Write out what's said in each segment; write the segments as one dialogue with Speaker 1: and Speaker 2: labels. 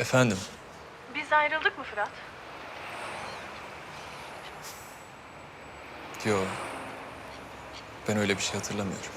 Speaker 1: Efendim?
Speaker 2: Biz ayrıldık mı Fırat?
Speaker 1: Yo. Ben öyle bir şey hatırlamıyorum.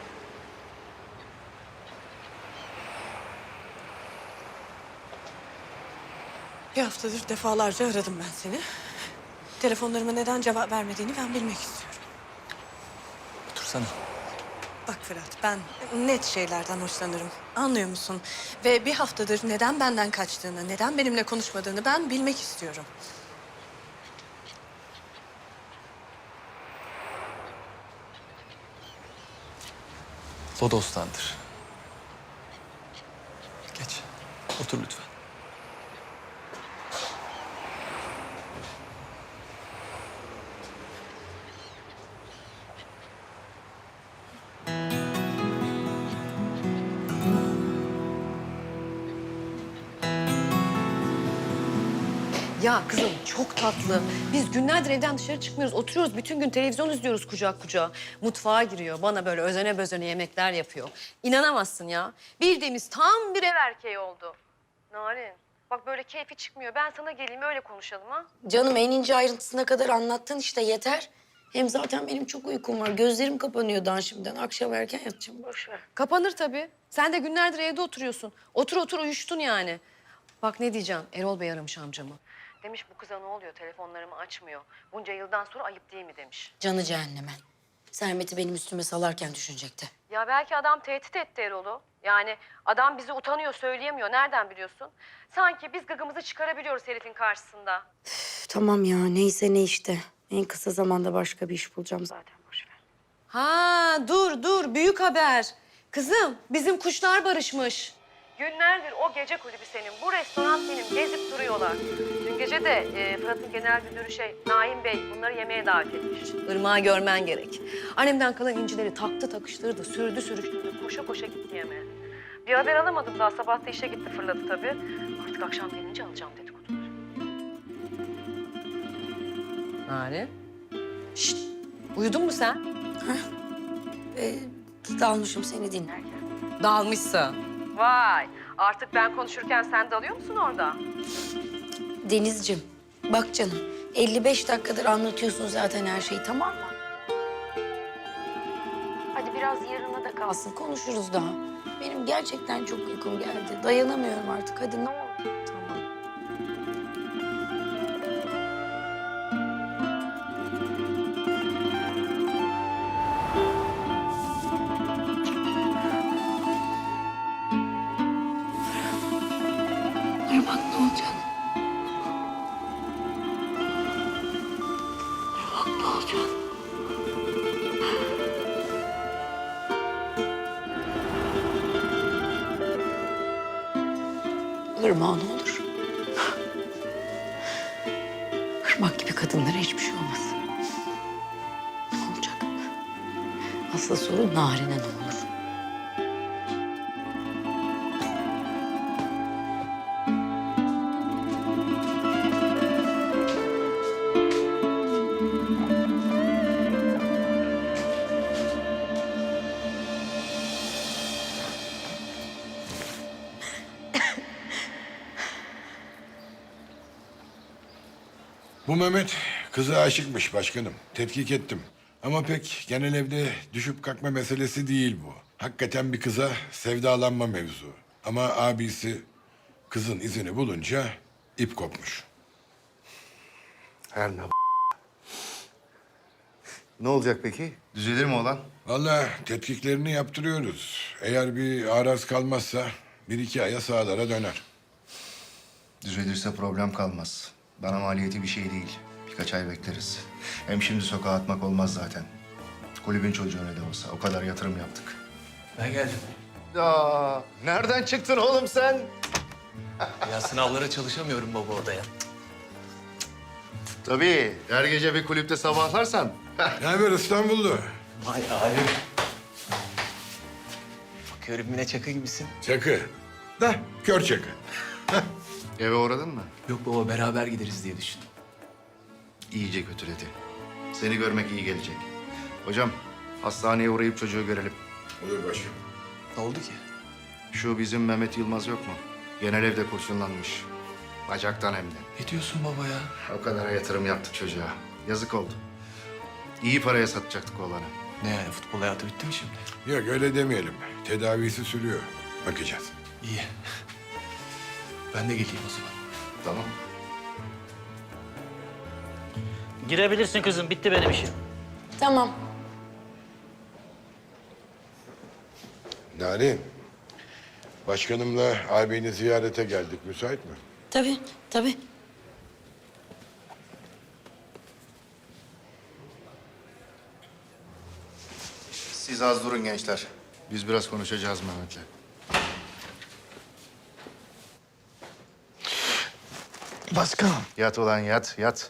Speaker 2: Bir haftadır defalarca aradım ben seni. Telefonlarıma neden cevap vermediğini ben bilmek istiyorum.
Speaker 1: Otursana.
Speaker 2: Bak Fırat, ben net şeylerden hoşlanırım. Anlıyor musun? Ve bir haftadır neden benden kaçtığını, neden benimle konuşmadığını ben bilmek istiyorum.
Speaker 1: Lodos'tandır. Geç. Otur lütfen.
Speaker 3: Ya kızım çok tatlı. Biz günlerdir evden dışarı çıkmıyoruz. Oturuyoruz bütün gün televizyon izliyoruz kucak kucağa. Mutfağa giriyor. Bana böyle özene bezene yemekler yapıyor. İnanamazsın ya. Bildiğimiz tam bir ev erkeği oldu. Narin bak böyle keyfi çıkmıyor. Ben sana geleyim öyle konuşalım ha.
Speaker 4: Canım en ince ayrıntısına kadar anlattın işte yeter. Hem zaten benim çok uykum var. Gözlerim kapanıyor daha şimdiden. Akşam erken yatacağım. Boş ver.
Speaker 3: Kapanır tabii. Sen de günlerdir evde oturuyorsun. Otur otur uyuştun yani. Bak ne diyeceğim. Erol Bey aramış amcamı. Demiş bu kıza ne oluyor telefonlarımı açmıyor. Bunca yıldan sonra ayıp değil mi demiş.
Speaker 4: Canı cehenneme. Sermet'i benim üstüme salarken düşünecekti.
Speaker 3: Ya belki adam tehdit etti Erol'u. Yani adam bizi utanıyor, söyleyemiyor. Nereden biliyorsun? Sanki biz gıgımızı çıkarabiliyoruz herifin karşısında.
Speaker 4: Üf, tamam ya neyse ne işte. En kısa zamanda başka bir iş bulacağım zaten. Boş ver.
Speaker 3: Ha dur büyük haber. Kızım bizim kuşlar barışmış. Günlerdir o gece kulübü senin, bu restoran benim gezip duruyorlar. Dün gece de Fırat'ın genel müdürü Naim Bey bunları yemeğe davet etmiş. Irmağı görmen gerek. Annemden kalan incileri taktı takıştırdı, sürdü sürüştürdü, koşa koşa gitti yemeğe. Bir haber alamadım daha, sabah da işe gitti fırladı tabii. Artık akşam gelince alacağım dedikoduları. Nari. Şşt, uyudun mu sen?
Speaker 4: Dalmışım seni dinlerken.
Speaker 3: Dalmışsın. Vay, artık ben konuşurken sen dalıyor musun orada?
Speaker 4: Denizciğim bak canım 55 dakikadır anlatıyorsun zaten her şeyi tamam mı? Hadi biraz yarına da kalsın konuşuruz daha. Benim gerçekten çok uykum geldi. Dayanamıyorum artık hadi ne olur.
Speaker 3: Tamam.
Speaker 4: Irmak ne olacak? Irmak ne olacak? Irmak ne olur? Irmak gibi kadınlara hiçbir şey olmasın. Ne olacak? Asıl soru Narin'e ne olur?
Speaker 5: Bu Mehmet kıza aşıkmış başkanım. Tetkik ettim. Ama pek genel evde düşüp kalkma meselesi değil bu. Hakikaten bir kıza sevdalanma mevzu. Ama abisi kızın izini bulunca ip kopmuş.
Speaker 6: Her ne Ne olacak peki? Düzelir mi olan?
Speaker 5: Vallahi tetkiklerini yaptırıyoruz. Eğer bir araz kalmazsa bir iki aya sağlara döner.
Speaker 6: Düzelirse problem kalmaz. Bana maliyeti bir şey değil. Birkaç ay bekleriz. Hem şimdi sokağa atmak olmaz zaten. Kulübün çocuğu ne de olsa. O kadar yatırım yaptık.
Speaker 1: Ben geldim.
Speaker 6: Ya nereden çıktın oğlum sen?
Speaker 1: Ya sınavlara çalışamıyorum baba odaya.
Speaker 6: Tabii. Her gece bir kulüpte sabahlarsan.
Speaker 5: Ne haber İstanbullu?
Speaker 1: Vay abi. Bakıyorum yine çakı gibisin.
Speaker 5: Çakı. Da kör çakı.
Speaker 6: Eve uğradın mı?
Speaker 1: Yok baba beraber gideriz diye düşündüm.
Speaker 6: İyice kötüledi. Seni görmek iyi gelecek. Hocam hastaneye uğrayıp çocuğu görelim.
Speaker 5: Olur başım.
Speaker 1: Ne oldu ki?
Speaker 6: Şu bizim Mehmet Yılmaz yok mu? Genel evde kurşunlanmış. Bacaktan hem de.
Speaker 1: Ne diyorsun baba ya?
Speaker 6: O kadar yatırım yaptık çocuğa. Yazık oldu. İyi paraya satacaktık oğlanı.
Speaker 1: Ne yani, futbol hayatı bitti mi şimdi?
Speaker 5: Yok öyle demeyelim. Tedavisi sürüyor. Bakacağız.
Speaker 1: İyi. Ben de geleyim o zaman.
Speaker 6: Tamam.
Speaker 7: Girebilirsin kızım. Bitti benim işim.
Speaker 4: Tamam.
Speaker 5: Narin, başkanımla ağabeyini ziyarete geldik. Müsait mi?
Speaker 4: Tabii, tabii.
Speaker 6: Siz az durun gençler. Biz biraz konuşacağız Mehmet'le.
Speaker 5: Başkanım.
Speaker 6: Yat ulan yat, yat.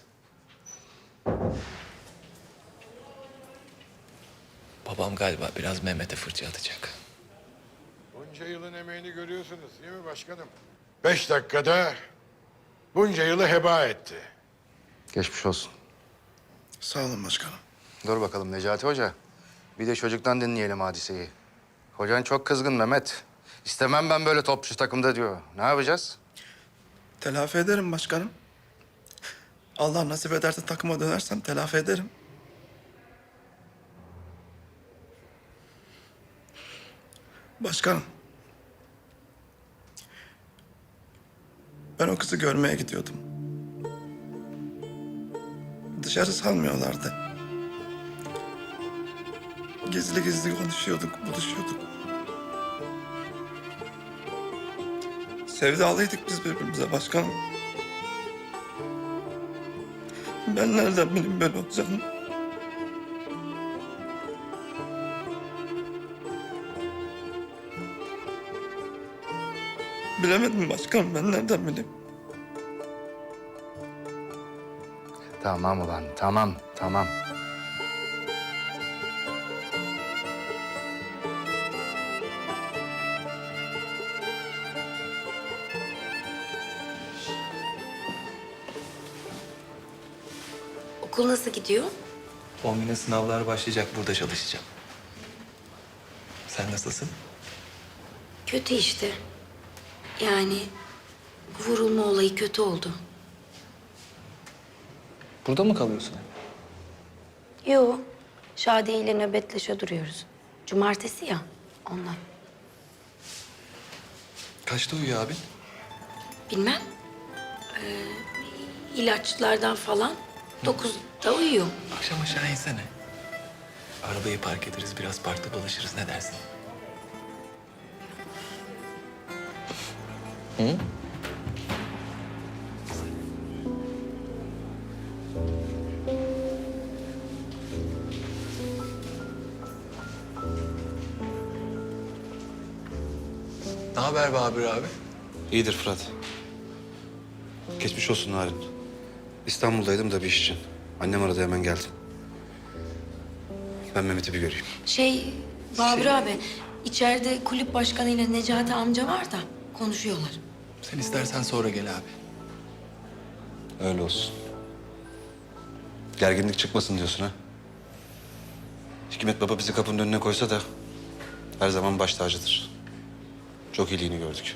Speaker 1: Babam galiba biraz Mehmet'e fırça atacak.
Speaker 5: Bunca yılın emeğini görüyorsunuz değil mi başkanım? 5 dakikada bunca yılı heba etti.
Speaker 6: Geçmiş olsun.
Speaker 8: Sağ olun başkanım.
Speaker 6: Dur bakalım Necati Hoca. Bir de çocuktan dinleyelim hadiseyi. Hocan çok kızgın Mehmet. İstemem ben böyle topçu takımda diyor. Ne yapacağız?
Speaker 8: Telafi ederim başkanım. Allah nasip ederse takıma dönersem telafi ederim. Başkanım. Ben o kızı görmeye gidiyordum. Dışarı salmıyorlardı. Gizli gizli konuşuyorduk, buluşuyorduk. Sevdalıydık biz birbirimize başkanım. Ben nereden bileyim böyle olacağını? Bilemedim başkanım, ben nereden bileyim?
Speaker 6: Tamam ulan, tamam, tamam.
Speaker 4: Okul nasıl gidiyor?
Speaker 1: 10 güne sınavlar başlayacak, burada çalışacağım. Sen nasılsın?
Speaker 4: Kötü işte. Yani vurulma olayı kötü oldu.
Speaker 1: Burada mı kalıyorsun?
Speaker 4: Yo, Şadiye ile nöbetleşe duruyoruz. Cumartesi ya, ondan.
Speaker 1: Kaçta uyuyor abin?
Speaker 4: Bilmem. İlaçlardan falan 9'da uyuyor.
Speaker 1: Akşam aşağı insene. Arabayı park ederiz, biraz parkta dolaşırız. Ne dersin? Hı? Ne haber Babür abi?
Speaker 9: İyidir Fırat. Geçmiş olsun Narin. İstanbul'daydım da bir iş için. Annem aradı hemen geldim. Ben Mehmet'i bir göreyim.
Speaker 4: Babür abi, içeride kulüp başkanıyla Necati amca var da konuşuyorlar.
Speaker 1: Sen istersen sonra gel abi.
Speaker 9: Öyle olsun. Gerginlik çıkmasın diyorsun ha? Hikmet Baba bizi kapının önüne koysa da her zaman baş tacıdır. Çok iyiliğini gördük.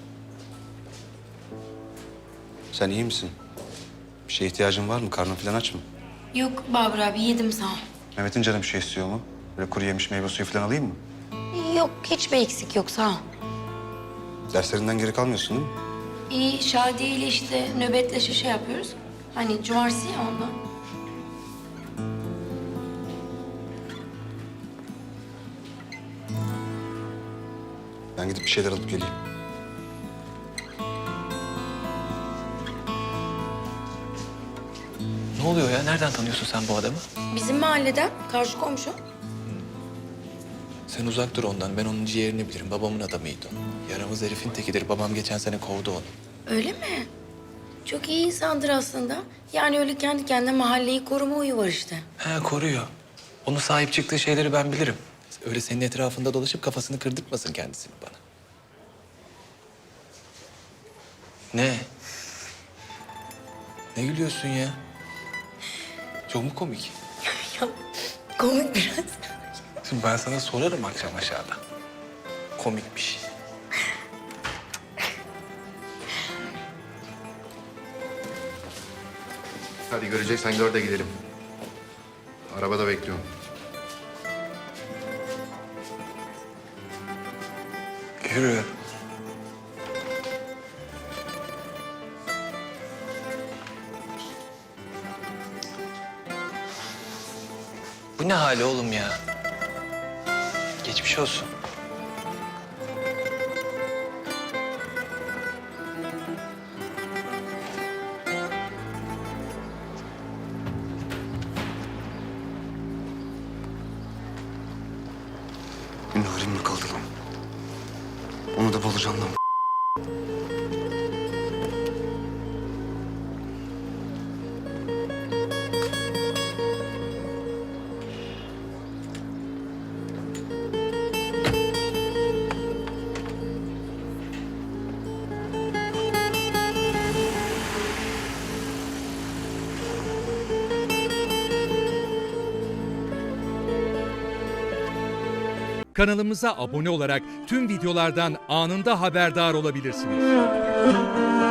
Speaker 9: Sen iyi misin? Bir şeye ihtiyacın var mı? Karnın falan aç mı?
Speaker 4: Yok Babür abi, yedim sağ ol.
Speaker 9: Mehmet'in canı bir şey istiyor mu? Böyle kuru yemiş meyve suyu falan alayım mı?
Speaker 4: Yok, hiçbir eksik yok sağ ol.
Speaker 9: Derslerinden geri kalmıyorsun değil mi?
Speaker 4: İyi, Şadiye ile işte nöbetleşe şey yapıyoruz. Hani cumartesi ya ondan.
Speaker 9: Ben gidip bir şeyler alıp geleyim.
Speaker 1: Ne oluyor ya? Nereden tanıyorsun sen bu adamı?
Speaker 4: Bizim mahalleden, karşı komşu.
Speaker 1: Sen uzak dur ondan. Ben onun ciğerini bilirim. Babamın adamıydı o. Yaramaz herifin tekidir. Babam geçen sene kovdu onu.
Speaker 4: Öyle mi? Çok iyi insandır aslında. Yani öyle kendi kendine mahalleyi koruma huyu var işte.
Speaker 1: He, koruyor. Onun sahip çıktığı şeyleri ben bilirim. Öyle senin etrafında dolaşıp kafasını kırdırtmasın kendisini bana. Ne? Ne gülüyorsun ya? Çok mu komik?
Speaker 4: Ya komik biraz.
Speaker 1: Şimdi ben sana sorarım akşam aşağıda. Komik bir şey.
Speaker 6: Hadi göreceksen gör de gidelim. Arabada bekliyorum.
Speaker 1: Yürü. Bu ne hali oğlum ya? Geçmiş olsun.
Speaker 9: Narin mi kaldı lan? Onu da bulacağım lan.
Speaker 10: Kanalımıza abone olarak tüm videolardan anında haberdar olabilirsiniz.